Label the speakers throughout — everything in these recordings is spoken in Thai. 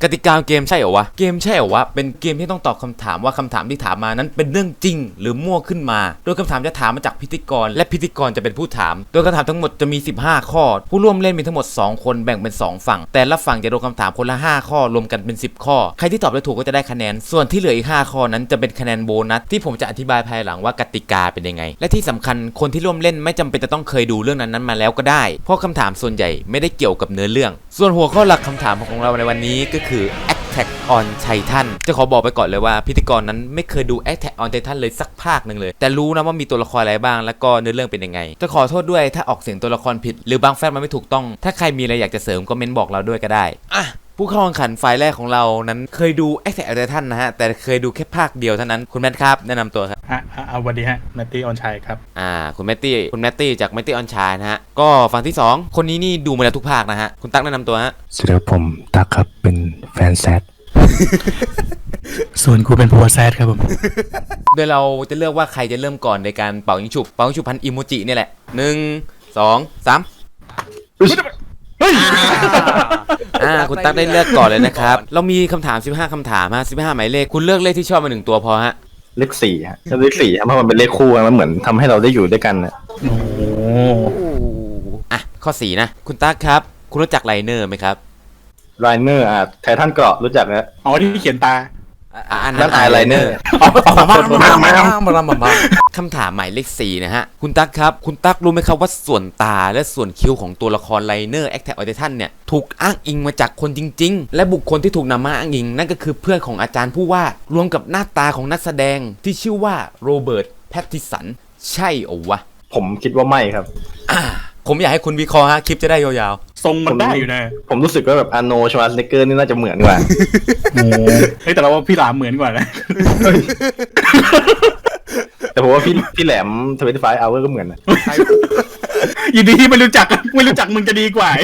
Speaker 1: กติกาเกมใช่เหรอวะเกมใช่เหรอวะเป็นเกมที่ต้องตอบคำถามว่าคำถามที่ถามมานั้นเป็นเรื่องจริงหรือมั่วขึ้นมาโดยคำถามจะถามมาจากพิธีกรและพิธีกรจะเป็นผู้ถามโดยคำถามทั้งหมดจะมี15ข้อผู้ร่วมเล่นมีทั้งหมด2คนแบ่งเป็น2ฝั่งแต่ละฝั่งจะโดนคำถามคนละ5ข้อรวมกันเป็น10ข้อใครที่ตอบได้ถูกก็จะได้คะแนนส่วนที่เหลืออีก5ข้อนั้นจะเป็นคะแนนโบนัสที่ผมจะอธิบายภายหลังว่ากติกาเป็นยังไงและที่สำคัญคนที่ร่วมเล่นไม่จำเป็นจะต้องเคยดูเรื่องนั้นมาแล้วก็ได้เพราะคำถามส่วนใหญ่ไม่ได้เกี่ยวกับเนื้อเรื่องส่วนหัวข้อหลักคำถามของเราในวันนี้ก็คือ Attack on Titan จะขอบอกไปก่อนเลยว่าพิธีกรนั้นไม่เคยดู Attack on Titan เลยสักภาคหนึ่งเลยแต่รู้นะว่ามีตัวละครอะไรบ้างแล้วก็เนื้อเรื่องเป็นยังไงจะขอโทษด้วยถ้าออกเสียงตัวละครผิดหรือบางแฟกต์มันไม่ถูกต้องถ้าใครมีอะไรอยากจะเสริมก็เม้นบอกเราด้วยก็ได้ผู้เข้าแข่งขันฝ่ายแรกของเรานั้นเคยดู Attack on Titan นะฮะแต่เคยดูแค่ภาคเดียวเท่านั้นคุณแมทครับแนะนำตัวครับ
Speaker 2: สวัสดีฮะแมตตี้ออนชัยครับ
Speaker 1: คุณแมตตี้จากแมตตี้ออนชัยนะฮะก็ฝั่งที่2คนนี้นี่ดูมาแล้วทุกภาคนะฮะคุณตั๊กแนะนำตัวฮะ
Speaker 3: สวัสดีครับผมตั๊กครับเป็นแฟนแซด
Speaker 2: ส่วนกูเป็นผัวแซดครับผม
Speaker 1: โดยเราจะเลือกว่าใครจะเริ่มก่อนในการเป่ายิงฉุบพันอิโมจินี่แหละ1 2 3คุณตั๊กได้เลือกก่อนเลยนะครับเรามีคำถาม15คำถามฮะ15หมายเลขคุณเลือกเลขที่ชอบมา1ตัวพอฮะ
Speaker 3: เลข4ฮะเลข4เพราะมันเป็นเลขคู่มันเหมือนทำให้เราได้อยู่ด้วยกันนะ
Speaker 2: โอ้
Speaker 1: ข้อ4นะคุณตั๊กครับคุณรู้จักไลเนอร์ไหมครับ
Speaker 3: ไลเนอร์ไททันเกราะรู้จักนะ
Speaker 2: ที่เขียนตา
Speaker 1: อันนั้นไอไลเนอร์คำถามหมายเลข4นะฮะคุณตั๊กครับคุณตั๊กรู้ไหมครับว่าส่วนตาและส่วนคิ้วของตัวละครไลเนอร์แอคแท็กออไททันเนี่ยถูกอ้างอิงมาจากคนจริงๆและบุคคลที่ถูกนำมาอ้างอิงนั่นก็คือเพื่อนของอาจารย์ผู้วาดรวมกับหน้าตาของนักแสดงที่ชื่อว่าโรเบิร์ตแพตติสันใช่โอวะ
Speaker 3: ผมคิดว่าไม่ครับ
Speaker 1: ผมอยากให้คุณวิเคราะห์ฮะคลิปจะได้ยาว
Speaker 2: ๆทรงมันได้อยู่นะ
Speaker 3: ผมรู้สึกว่าแบบอาร์โนชวาร์เนเกอร์นี่น่าจะเหมือนกว่า
Speaker 2: เฮ้ยแต่เราว่าพี่หลามเหมือนกว่านะ
Speaker 3: แต่ผมว่าพี่แหลม25 hour ก็เหมือนนะ
Speaker 2: ยินดีที่ไม่รู้จักมึงจะดีกว่า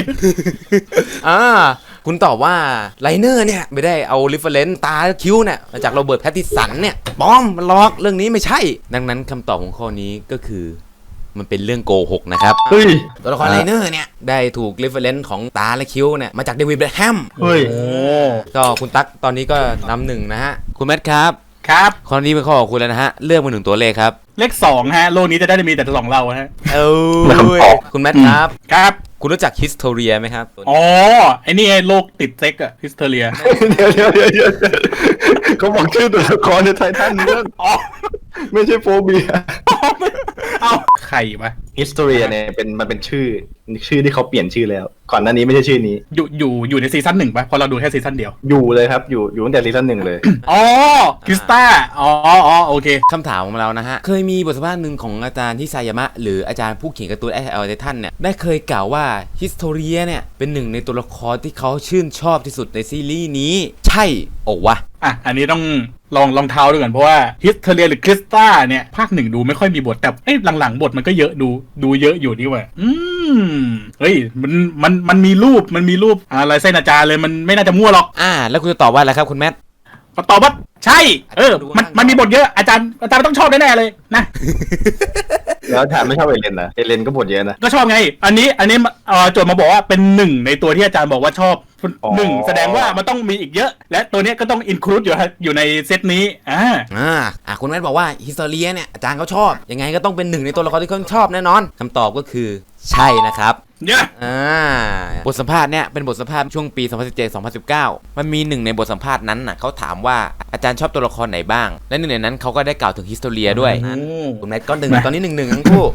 Speaker 1: คุณตอบว่าไลเนอร์เนี่ยไม่ได้เอาเรฟเฟอเรนซ์ตาคิ้วเนี่ยมาจากโรเบิร์ตแพตติสันเนี่ยป้อมมันลอกเรื่องนี้ไม่ใช่ดังนั้นคำตอบของข้อนี้ก็คือมันเป็นเรื่องโกหกนะครับตัวละครไลเนอร์เนี่ยได้ถูกเรฟเฟอเรนซ์ของตาและคิ้วเนี่ยมาจากเดวิดเบคแฮมก็คุณตั๊กตอนนี้ก็นำ1นะฮะคุณแมทครับข้อนี้เป็นข้อของคุณแล้วนะฮะเลือกมา1ตัวเลขครับ
Speaker 2: เลข2ฮะโลกนี้จะได้มีแต่2เราฮะ
Speaker 1: คุณแมทครับคุณรู้จักฮิสโทเรียไหมครับ
Speaker 2: ไอ้นี่ไอ้โรคติดเซ็กอะฮิสโทเรีย
Speaker 3: เดี๋ยวเขาบอกชื่อตัวละครในไททันเรื่องไม่ใช่โฟเบีย
Speaker 2: เอาใครวะ
Speaker 3: ฮิสโทเรียเนี่ยมันเป็นชื่อที่เขาเปลี่ยนชื่อแล้วก่อนหน้านี้ไม่ใช่ชื่อนี้
Speaker 2: อยู่ในซีซั่น1ป่ะพอเราดูแค่ซีซั่นเดียว
Speaker 3: อยู่เลยครับอยู่ตั้งแต่ซีซั่น1เลย
Speaker 2: คริสตาโอเค
Speaker 1: คำถามของเรานะฮะเคยมีบทสัมภาษณ์หนึ่งของอาจารย์ที่ไซยามะหรืออาจารย์ผู้เขียนการ์ตูนแอคแท็กออนไททันเนี่ยได้เคยกล่าวว่าฮิสโทเรียเนี่ยเป็นหนึ่งในตัวละครที่เขาชื่นชอบที่สุดในซีรีส์นี้ใช่โอ้วะ
Speaker 2: อันนี้ต้องลองเท้าดูก่อนเพราะว่าฮิสโทเรียหรือคริสตาเนี่ยภาค1ดูไม่ค่อยมีบทแต่หลังๆบทมันก็เยอะดูเยอะอยู่นี่ว่ะเฮ้ยมันมีรูปอะไรเส้นอาจารย์เลยมันไม่น่าจะมั่วหรอก
Speaker 1: แล้วคุณจะตอบว่าอะไรครับคุณแมท
Speaker 2: ก็ตอบว่าใช่มันมีบทเยอะอาจารย์ต้องชอบแน่ๆเลยนะ
Speaker 3: แล้วถามไม่ชอบเอเลนนะเอเลนก็บทเยอะนะ
Speaker 2: ก็ชอบไงอันนี้โจทย์มาบอกว่าเป็น1ในตัวที่อาจารย์บอกว่าชอบ1แสดงว่ามันต้องมีอีกเยอะและตัวนี้ก็ต้องอินคลูดอยู่ในเซตนี้
Speaker 1: คุณแมทบอกว่าฮิสโตเรียเนี่ยอาจารย์เขาชอบยังไงก็ต้องเป็น1ในตัวละครที่เขาชอบแน่นอนคำตอบก็คือใช่นะครับบทสัมภาษณ์เนี่ยเป็นบทสัมภาษณ์ช่วงปี 2017-2019 มันมี1ในบทสัมภาษณ์นั้นน่ะเขาถามว่าอาจารย์ชอบตัวละครไหนบ้างและ1ในนั้นเขาก็ได้กล่าวถึงฮิสโตเรียด้วยคุณแมทก็1ตอนนี้1ทั้งคู่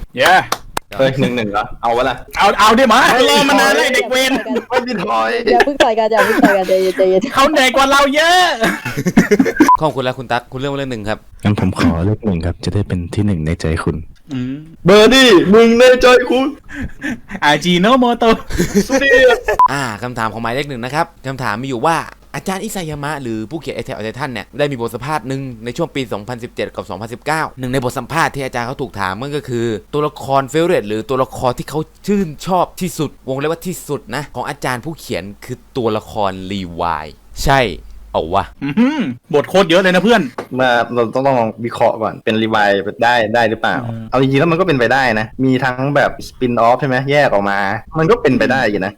Speaker 3: 1-1เหรอเอาวะล่ะ
Speaker 2: เอาดิมารอมานานเลยเด็กเวร
Speaker 3: ไม่มีถอย
Speaker 4: อย่าเพิ่งต่อยกันใจเย็น
Speaker 2: เขาเหนื่อยกว่าเราเยอะ
Speaker 1: ขอบคุณแล้วคุณตั๊กคุณเลือกเลข1ครับ
Speaker 3: งั้นผมขอเลข1ครับจะได้เป็นที่1ในใจคุณเบอร์ดี้มึงในใจคุณ
Speaker 2: อาจิโนโมโตะ
Speaker 1: คำถามของหมายเลข1นะครับคำถามมีอยู่ว่าอาจารย์อิซายามะหรือผู้เขียนแอคแท็กออนไททันเนี่ยได้มีบทสัมภาษณ์หนึ่งในช่วงปี 2017 กับ 2019 หนึ่งในบทสัมภาษณ์ที่อาจารย์เขาถูกถามมันก็คือตัวละครเฟเวอร์หรือตัวละครที่เขาชื่นชอบที่สุดวงเล็บว่าที่สุดนะของอาจารย์ผู้เขียนคือตัวละครรีวายใช่เอาวะ
Speaker 2: บทโคตรเยอะเลยนะเพื่อน
Speaker 3: มาเราต้องลองวิเคราะห์ก่อนเป็นรีไวล์ได้หรือเปล่าเอาจริงๆแล้วมันก็เป็นไปได้นะมีทั้งแบบสปินออฟใช่ไหมแยกออกมามันก็เป็นไปได้อยู่นะอีก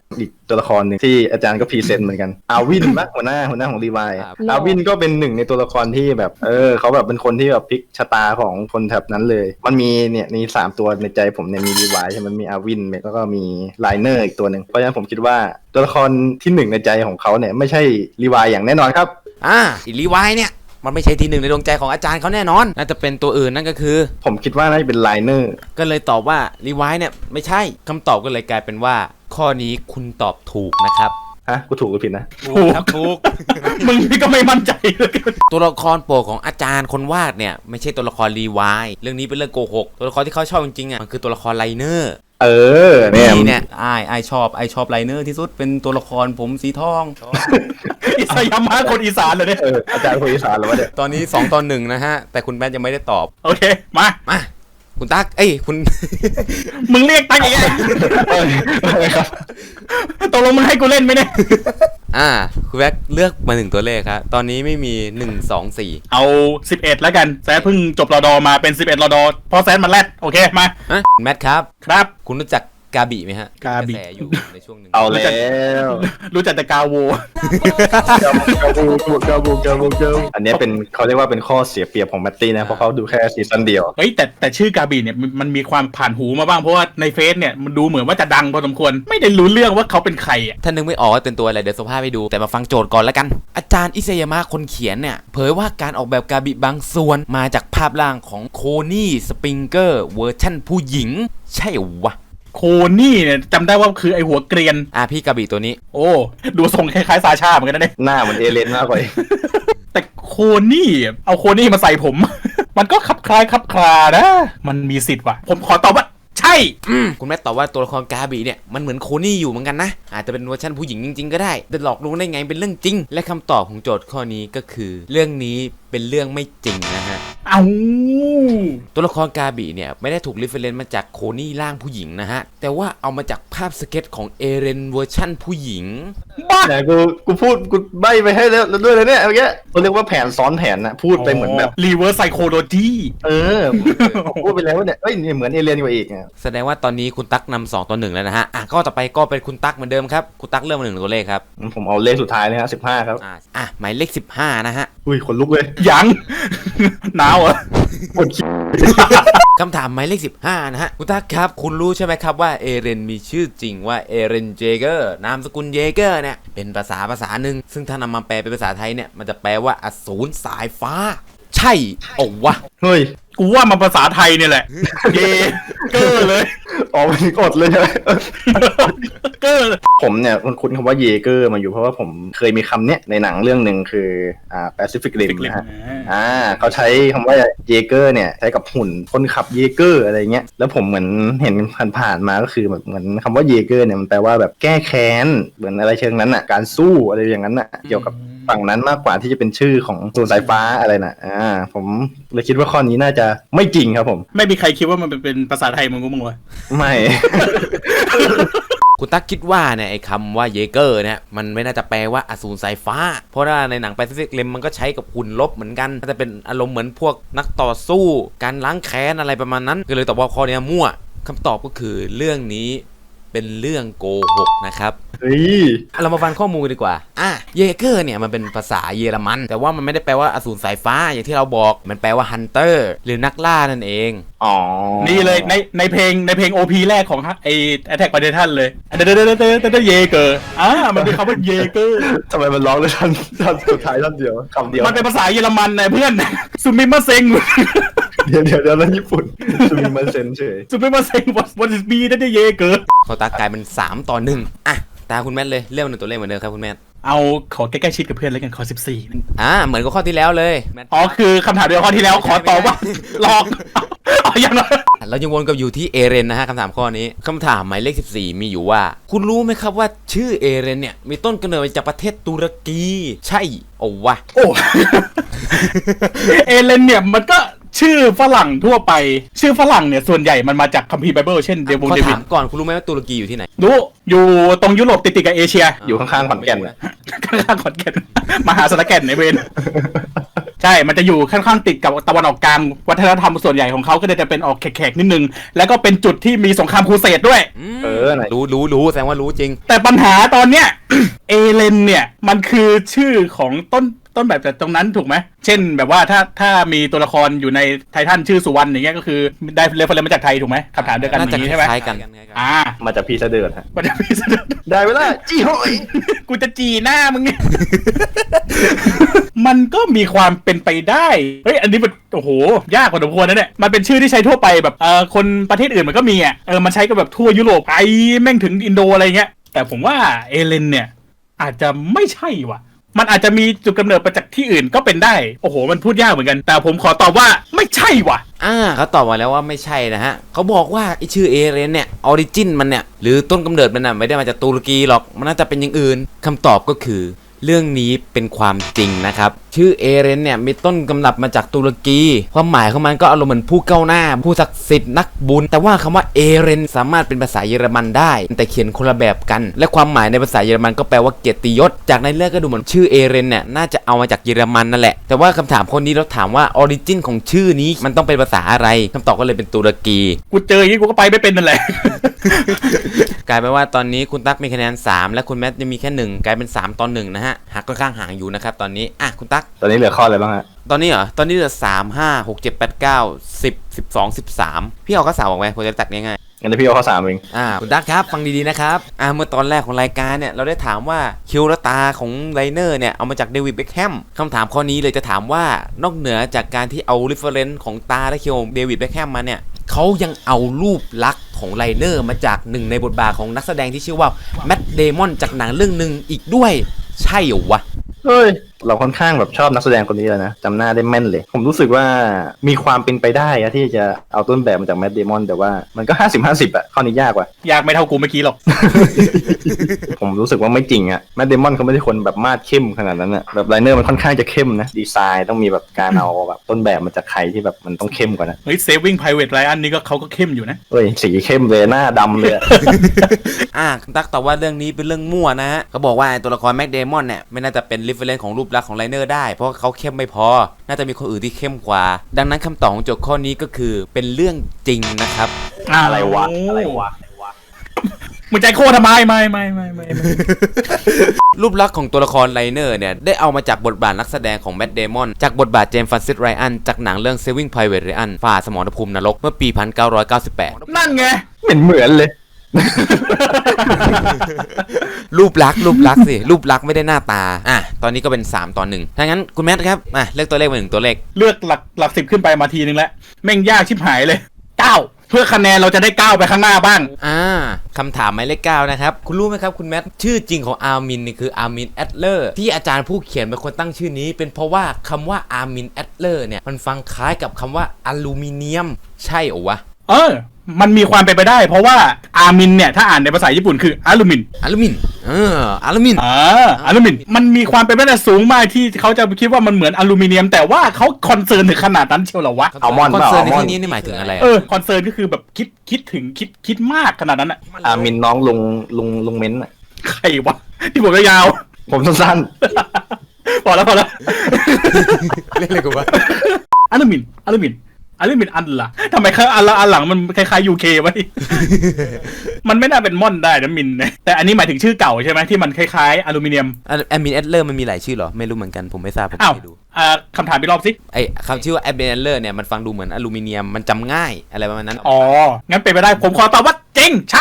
Speaker 3: ตัวละครหนึ่งที่อาจารย์ก็พรีเซนต์เหมือนกันอาวินปะหัวหน้าของรีไวล์อาวินก็เป็นหนึ่งในตัวละครที่แบบเขาแบบเป็นคนที่แบบพลิกชะตาของคนแถบนั้นเลยมันมีเนี่ยมี3ตัวในใจผมเนี่ยมีรีไวล์ใช่ไหมมันมีอาวินแล้วก็มีไลเนอร์อีกตัวหนึ่งเพราะฉะนั้นผมคิดว่าตัวละครที่1ในใจของเขาเนี่ยไม่ใช่รีไวล์อย่างแน่นอนครับ
Speaker 1: อีรีไวน์เนี่ยมันไม่ใช่ที่หนึ่งในดวงใจของอาจารย์เขาแน่นอนน่าจะเป็นตัวอื่นนั่นก็คือ
Speaker 3: ผมคิดว่าน่าจะเป็นไลเนอร์
Speaker 1: ก็เลยตอบว่ารีไวน์เนี่ยไม่ใช่คำตอบก็เลยกลายเป็นว่าข้อนี้คุณตอบถูกนะครับ
Speaker 3: กูถูกหรือผิดนะ
Speaker 1: ถูกครับถูก
Speaker 2: มึงนี่ก็ไม่มั่นใจเลย
Speaker 1: ตัวละครโปรดของอาจารย์คนวาดเนี่ยไม่ใช่ตัวละครรีไวน์เรื่องนี้เป็นเรื่องโกหกตัวละครที่เขาชอบจริงๆอ่ะมันคือตัวละครไลเนอร์เนี่ยไอชอบไลเนอร์ที่สุดเป็นตัวละครผมสีทอง
Speaker 2: อิสยามะคนอีสานเลยเนี่ย
Speaker 3: อาจารย์คนอีสานเหรอวะเนี่ย
Speaker 1: ตอนนี้2-1นะฮะแต่คุณแบทยังไม่ได้ตอบ
Speaker 2: โอเคมา
Speaker 1: คุณตั๊กคุณ
Speaker 2: มึงเรียกตั๊กยังไงครับตกลงมึงให้กูเล่นไหมเนี่ย
Speaker 1: คุณแบทเลือกมา1ตัวเลขครับตอนนี้ไม่มี1 2 4
Speaker 2: เอา11แล้วกันแซดเพิ่งจบรอดอมาเป็น11รอดอพอแซดมาแรดโอเคมา
Speaker 1: แมทครับ
Speaker 2: คุณ
Speaker 1: รู้จักกาบิไหมฮะ
Speaker 2: กาบิ
Speaker 1: อยู่ในช่วงหนึ่ง
Speaker 3: เอาแล้ว
Speaker 2: รู้จักแต่กาโว
Speaker 3: อันนี้เป็นเขาเรียกว่าเป็นข้อเสียเปรียบของแมตตี้นะเพราะเขาดูแค่ซีซั่นเดียว
Speaker 2: เฮ้ยแต่ชื่อกาบิเนี่ยมันมีความผ่านหูมาบ้างเพราะว่าในเฟซเนี่ยมันดูเหมือนว่าจะดังพอสมควรไม่ได้รู้เรื่องว่าเขาเป็นใครอ่ะ
Speaker 1: ถ้านึกไม่ออกว่าเป็นตัวอะไรเดี๋ยวสภาพไปดูแต่มาฟังโจทย์ก่อนแล้วกันอาจารย์อิเซยามะคนเขียนเนี่ยเผยว่าการออกแบบกาบิบางส่วนมาจากภาพร่างของโคนี่สปริงเกอร์เวอร์ชั่นผู้หญิงใช่วะ
Speaker 2: โคนี่เนี่ยจำได้ว่าคือไอหัวเกรียน
Speaker 1: พี่กระบี่ตัวนี้
Speaker 2: โอ้ดูทรงคล้ายๆซาชาเหมือนกันนะเนี่ย
Speaker 3: หน้าเหมือนเอเลนมากกว่า
Speaker 2: แต่โคนี่เอาโคนี่มาใส่ผม มันก็คลับคลานะมันมีสิทธิ์ว่ะผมขอตอบว่าใช่
Speaker 1: คุณแม่ตอบว่าตัวละครกาบีเนี่ยมันเหมือนโคนี่อยู่เหมือนกันนะอาจจะเป็นเวอร์ชันผู้หญิงจริงๆก็ได้แต่หลอกลวงได้ไงเป็นเรื่องจริงและคำตอบของโจทย์ข้อนี้ก็คือเรื่องนี้เป็นเรื่องไม่จริงนะฮะตัวละครกาบีเนี่ยไม่ได้ถูกรีเฟรนซ์มาจากโคนี่ร่างผู้หญิงนะฮะแต่ว่าเอามาจากภาพสเก็ตของเอเรนเวอร์ชั่นผู้หญิง
Speaker 3: บ้าไหนกูพูดกูใบไปให้แล้วด้วยเลยเนี่ยเมื่อกี้เขาเรียกว่าแผนซ้อนแผนนะพูดไปเหมือนแบบ
Speaker 2: รีเวิร์สไซโคโลจี
Speaker 3: พูดไปแล้วเนี่ยเหมือนเอเลียนกว่าอีก
Speaker 1: แสดงว่าตอนนี้คุณตั๊กนำ2-1แล้วนะฮะก็ต่อไปก็เป็นคุณตั๊กเหมือนเดิมครับคุณตั๊กเริ่มมา1ตัวเลขครับ
Speaker 3: ผมเอาเลขสุดท้ายเลยฮะ15ครับ
Speaker 1: หมายเลข15นะฮะ
Speaker 3: อุ้ยขนลุกเลย
Speaker 2: ยังหนาวเหรอ
Speaker 1: คำถามหมายเลข15นะฮะคุณตั๊กครับคุณรู้ใช่ไหมครับว่าเอเรนมีชื่อจริงว่าเอเรนเจเกอร์นามสกุลเยเกอร์เนี่ยเป็นภาษาหนึ่งซึ่งถ้านำมาแปลเป็นภาษาไทยเนี่ยมันจะแปลว่าอสูรสายฟ้าใช่วะ
Speaker 3: เฮ้ย
Speaker 2: กูว่ามันภาษาไทยเนี่ยแหละเยเกอร์เลย
Speaker 3: มันกดเลยใช่ไหมเกอร์ผมเนี่ยคุ้นคำว่าเยเกอร์มาอยู่เพราะว่าผมเคยมีคำเนี้ยในหนังเรื่องหนึ่งคือPacific Rim นะฮะเขาใช้คำว่าเยเกอร์เนี่ยใช้กับหุ่นคนขับเยเกอร์อะไรเงี้ยแล้วผมเหมือนเห็นผ่านมาก็คือแบบเหมือนคำว่าเยเกอร์เนี่ยมันแปลว่าแบบแก้แค้นเหมือนอะไรเชิงนั้นอ่ะการสู้อะไรอย่างนั้นอ่ะเกี่ยวกับฝั่งนั้นมากกว่าที่จะเป็นชื่อของส่วนสายฟ้าอะไรน่ะผมเลยคิดว่าข้อนี้น่าจะไม่จริงครับผม
Speaker 2: ไม่มีใครคิดว่ามันเป็นภาษาไทยมึงกูมึงวะ
Speaker 3: ไม่
Speaker 1: คุณตั๊กคิดว่าเนี่ยไอ้คำว่าเยเกอร์เนี่ยมันไม่น่าจะแปลว่าอสูรสายฟ้าเพราะว่าในหนังแปซิฟิกริมมันก็ใช้กับหุ่นลบเหมือนกันน่าจะเป็นอารมณ์เหมือนพวกนักต่อสู้การล้างแค้นอะไรประมาณนั้นก็เลยตอบว่าข้อนี้มั่วคำตอบก็คือเรื่องนี้เป็นเรื่องโกหกนะครับเรามาฟังข้อมูลดีกว่าเยเกอร์เนี่ยมันเป็นภาษาเยอรมันแต่ว่ามันไม่ได้แปลว่าอสูรสายฟ้าอย่างที่เราบอกมันแปลว่าฮันเตอร์หรือนักล่านั่นเอง
Speaker 2: นี่เลยในเพลง OP แรกของไอ้ Attack on Titan เลยเดเยเกอร์มันเป็นคำว่าเยเกอร์
Speaker 3: ทำไมมันร้องเลยท่านสุดท้ายท่านเดียวคำเดียว
Speaker 2: มันเป็นภาษาเยอรมันนะเพื่อนซูมิมาเซ็ง
Speaker 3: เดี๋ยวนั่นญี่ปุ่นซูมิมาเซ็งเฉย
Speaker 2: ซูมิมาเซ็ง what is be เดเยเกอร์
Speaker 1: เขาตากลายเป็น3-1ตาคุณแมทเลยเรื่องหนึ่งตัวเลขเหมือนเดิมครับคุณแมท
Speaker 2: เอาขอใกล้ๆชิดกับเพื่อนแล้วกันขอ
Speaker 1: 14เหมือนกับข้อที่แล้วเลย
Speaker 2: คือคำถามเดียวข้อที่แล้วขอตอบว่าหลอกอย่างนั้น
Speaker 1: เรายังวนกับอยู่ที่เอเรนนะฮะคำถามข้อนี้คำถามหมายเลข14มีอยู่ว่าคุณรู้ไหมครับว่าชื่อเอเรนเนี่ยมีต้นกำเนิดมาจากประเทศตุรกีใช่วะ
Speaker 2: เอเรนเนี่ยมันก็ชื่อฝรั่งทั่วไปชื่อฝรั่งเนี่ยส่วนใหญ่มันมาจากคัมภีร์ไบเบิลเช่นเดวิด
Speaker 1: ก่อนคุณรู้ไหมว่าตุรกีอยู่ที่ไหน
Speaker 2: รู้อยู่ตรงยุโรปติดกับเอเชีย
Speaker 3: อยู่ข้างๆขอนแก่น
Speaker 2: ข้างๆขอนแก่นมหาสารแก่นในเวนใช่มันจะอยู่ค่อนข้างติดกับตะวันออกกลางวัฒนธรรมส่วนใหญ่ของเขาก็จะเป็นออกแขกๆนิดนึงแล้วก็เป็นจุดที่มีสงครามครูเสดด้วย
Speaker 3: ไหน
Speaker 1: รู้แสดงว่ารู้จริง
Speaker 2: แต่ปัญหาตอนเนี้ย เอเลนเนี่ยมันคือชื่อของต้นแบบจากตรงนั้นถูกไหมเช่นแบบว่าถ้ามีตัวละครอยู่ในไททันชื่อสุวรรณอย่างเงี้ยก็คือได้เรฟเฟอเรนซ์มาจากไทยถูกไหมคำถามเดียวกันอย่างนี้ใช่ไหม
Speaker 1: คล้ายกัน
Speaker 3: มาจากพี่เสดือดฮะ
Speaker 2: มันจะมีเสนอ
Speaker 3: ได้เวลาจี้หอย
Speaker 2: กูจะจีหน้ามึงเนี่ย มันก็มีความเป็นไปได้เฮ้ยอันนี้มันโอ้โหยากกว่าสมควรนะเนี่ยมันเป็นชื่อที่ใช้ทั่วไปแบบคนประเทศอื่นมันก็มีอ่ะมันใช้กันแบบทั่วยุโรปไปแม่งถึงอินโดอะไรเงี้ยแต่ผมว่าเอเลนเนี่ยอาจจะไม่ใช่ว่ะมันอาจจะมีจุดกำเนิดมาจากที่อื่นก็เป็นได้โอ้โหมันพูดยากเหมือนกันแต่ผมขอตอบว่าไม่ใช่ว่ะ
Speaker 1: เขาตอบมาแล้วว่าไม่ใช่นะฮะเขาบอกว่าไอชื่อเอเรนเนี่ยออริจินมันเนี่ยหรือต้นกำเนิดมันน่ะไม่ได้มาจากตุรกีหรอกมันน่าจะเป็นอย่างอื่นคำตอบก็คือเรื่องนี้เป็นความจริงนะครับชื่อเอเรนเนี่ยมีต้นกำเนิดมาจากตุรกีความหมายของมันก็อารมณ์เหมือนผู้ก้าวหน้าผู้ศักดิ์สิทธิ์นักบุญแต่ว่าคำว่าเอเรนสามารถเป็นภาษาเยอรมันได้แต่เขียนคนละแบบกันและความหมายในภาษาเยอรมันก็แปลว่าเกียรติยศจากในเรื่องก็ดูเหมือนชื่อเอเรนเนี่ยน่าจะเอามาจากเยอรมันนั่นแหละแต่ว่าคำถามคนนี้เราถามว่าออริจินของชื่อนี้มันต้องเป็นภาษาอะไรคำตอบก็เลยเป็นตุรกี
Speaker 2: กูเจออย่างนี้กูก็ไปไม่เป็นนั่นแหละ
Speaker 1: กลายเป็นว่าตอนนี้คุณตั๊กมีคะแนน3และคุณแมทยังมีแค่1กลายเป็น3 ต่อ 1นะฮะหักค่อนข้างห่างอยู่นะครับตอนนี้คุณตั๊ก
Speaker 3: ตอนนี้เหลือข้ออะไรบ้างฮะ
Speaker 1: ตอนนี้เหรอตอนนี้เหลือ3 5 6 7 8 9 10 12 13พี่เอาข้อ3ออกไหมผมจะตัดง่ายๆ
Speaker 3: งั้นเดี๋ยวพี่เอาข้อ3เอง
Speaker 1: คุณดักครับฟังดีๆนะครับเมื่อตอนแรกของรายการเนี่ยเราได้ถามว่าคิวและตาของไลเนอร์เนี่ยเอามาจากเดวิดเบ็คแฮมคำถามข้อนี้เลยจะถามว่านอกเหนือจากการที่เอาเรฟเฟอเรนซ์ของตาและคิวเดวิดเบ็คแฮมมาเนี่ยเขายังเอารูปลักษณ์ของไลเนอร์มาจากหนึ่งในบทบาทของนักแสดงที่ชื่อว่าแมทเดมอนจากหนังเรื่องหนึ่งอีกด้วยใช่เหรอวะ
Speaker 3: เฮ้ยเราค่อนข้างแบบชอบนักแสดงคนนี้เลยนะจำหน้าได้แม่นเลย ผมรู้สึกว่ามีความเป็นไปได้อะที่จะเอาต้นแบบมาจากแมทเดมอนแต่ว่ามันก็50-50อะข้อนี้ยากว่ะ
Speaker 2: ยากไม่เท่ากูเมื่อกี้หรอก
Speaker 3: ผมรู้สึกว่าไม่จริงอะแมทเดมอนเขาไม่ได้คนแบบมาดเข้มขนาดนั้นอะแบบไลเนอร์มันค่อนข้างจะเข้มนะดีไซน์ต้องมีแบบการเอาแบบต้นแบบมาจากใครที่แบบมันต้องเข้มกว่านะ
Speaker 2: เฮ้ย Saving Private Ryan นี่ก็เขาก็เข้มอยู่นะ
Speaker 3: เฮ้ยสีเข้มเลยหน้าดำเลยอะ
Speaker 1: คุณตั๊กตอบว่าเรื่องนี้เป็นเรื่องมั่วนะฮะเขาบอกว่าตัวละครแม็กเดมอนเนี่ยไม่น่าจะเป็นรีเฟอเรนซ์ของรูปลักษณ์ของไลเนอร์ได้เพราะเขาเข้มไม่พอน่าจะมีคนอื่นที่เข้มกว่าดังนั้นคำตอบของโจทย์ข้อนี้ก็คือเป็นเรื่องจริงนะครับ
Speaker 3: อะไรวะ
Speaker 2: มึงใจโคตรทำไมไม่
Speaker 1: รูปลักษณ์ของตัวละครไลเนอร์เนี่ยได้เอามาจากบทบาทนักแสดงของแมทเดมอนจากบทบาทเจมส์ฟรานซิสไรอันจากหนังเรื่อง Saving Private Ryan ฝ่าสมรภูมินรกเมื่อปี 1998
Speaker 2: นั่นไง
Speaker 3: เหมือนเลย
Speaker 1: รูปลักษณ์สิรูปลักษณ์ไม่ได้หน้าตาตอนนี้ก็เป็น3 ต่อ 1ถ้างั้นคุณแมทครับเลือกตัวเลขมา1ตัวเลข
Speaker 2: เลือกหลัก10ขึ้นไปมาทีนึงแล้วแม่งยากชิบหายเลย 9 เพื่อคะแนนเราจะได้ก้าวไปข้างหน้าบ้าง
Speaker 1: คำถามหมายเลข9นะครับคุณรู้ไหมครับคุณแมทชื่อจริงของอาร์มินนี่คืออาร์มินแอดเลอร์ที่อาจารย์ผู้เขียนเป็นคนตั้งชื่อนี้เป็นเพราะว่าคำว่าอาร์มินแอดเลอร์เนี่ยมันฟังคล้ายกับคำว่าอลูมิเนียมใช่เหรอวะ
Speaker 2: มันมีความเป็นไปได้เพราะว่าอาร์มินเนี่ยถ้าอ่านในภาษาญี่ปุ่นคืออลูมิน
Speaker 1: อลูมิน
Speaker 2: มันมีความเป็นไปได้สูงมากที่เขาจะคิดว่ามันเหมือนอลูมิเนียมแต่ว่าเขาคอนเซิร์นถึงขนาดนั้นเชียวเหรอวะ
Speaker 3: อัลมอนด์
Speaker 1: คอนเซิร์นในที่นี้นี่หมายถึงอะไร
Speaker 2: คอนเซิร์นก็คือแบบคิดถึงคิดมากขนาดนั้นอะ
Speaker 3: อามินน้องลุงเม้นอะ
Speaker 2: ใครวะที่ผมยาว
Speaker 3: ผมสั้น
Speaker 2: ๆพอแล้ว
Speaker 1: เล่นอะไรกูวะ
Speaker 2: อลูมินอันละทำไมอันหลังมันคล้ายๆ UK วะ มันไม่น่าเป็นม่อนได้นะมินนะแต่อันนี้หมายถึงชื่อเก่าใช่ไหมที่มันคล้ายๆอลูมิเนียม
Speaker 1: แอมมินแอดเลอร์มันมีหลายชื่อเหรอไม่รู้เหมือนกันผมไม่ทราบผมไม่ดู
Speaker 2: คำถามอีกรอบสิ
Speaker 1: คำชื่อว่าแอมมินแอดเลอร์เนี่ยมันฟังดูเหมือนอลูมิเนียมมันจำง่ายอะไรประมาณนั้น
Speaker 2: งั้นเป็นไปได้ผมขอตอบว่าจริงใช่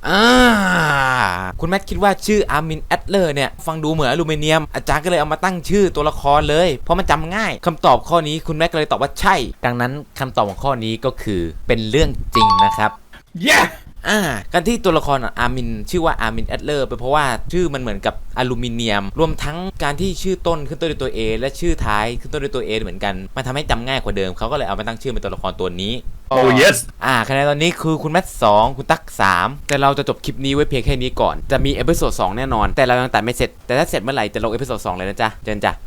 Speaker 1: คุณแมทคิดว่าชื่ออาร์มินแอดเลอร์เนี่ยฟังดูเหมือนอลูมิเนียมอาจารย์ก็เลยเอามาตั้งชื่อตัวละครเลยเพราะมันจำง่ายคำตอบข้อนี้คุณแมทก็เลยตอบว่าใช่ดังนั้นคำตอบของข้อนี้ก็คือเป็นเรื่องจริงนะครับการที่ตัวละครอาร์มินชื่อว่าอาร์มินแอดเลอร์เป็นเพราะว่าชื่อมันเหมือนกับอลูมิเนียมรวมทั้งการที่ชื่อต้นขึ้นต้นด้วยตัว A และชื่อท้ายขึ้นต้นด้วยตัว A เหมือนกันมันทำให้จำง่ายกว่าเดิมเขาก็เลยเอามาตั้งชื่อเป็นตัวละครตัวนี้
Speaker 2: yes
Speaker 1: คะแนนตอนนี้คือคุณแมท2คุณตั๊ก3แต่เราจะจบคลิปนี้ไว้เพียงแค่นี้ก่อนจะมีเอพิโซด2แน่นอนแต่เรายังตัดไม่เสร็จแต่ถ้าเสร็จเมื่อไหร่จะลงเอพิโซด2เลยนะจ๊ะเจนจ้ะ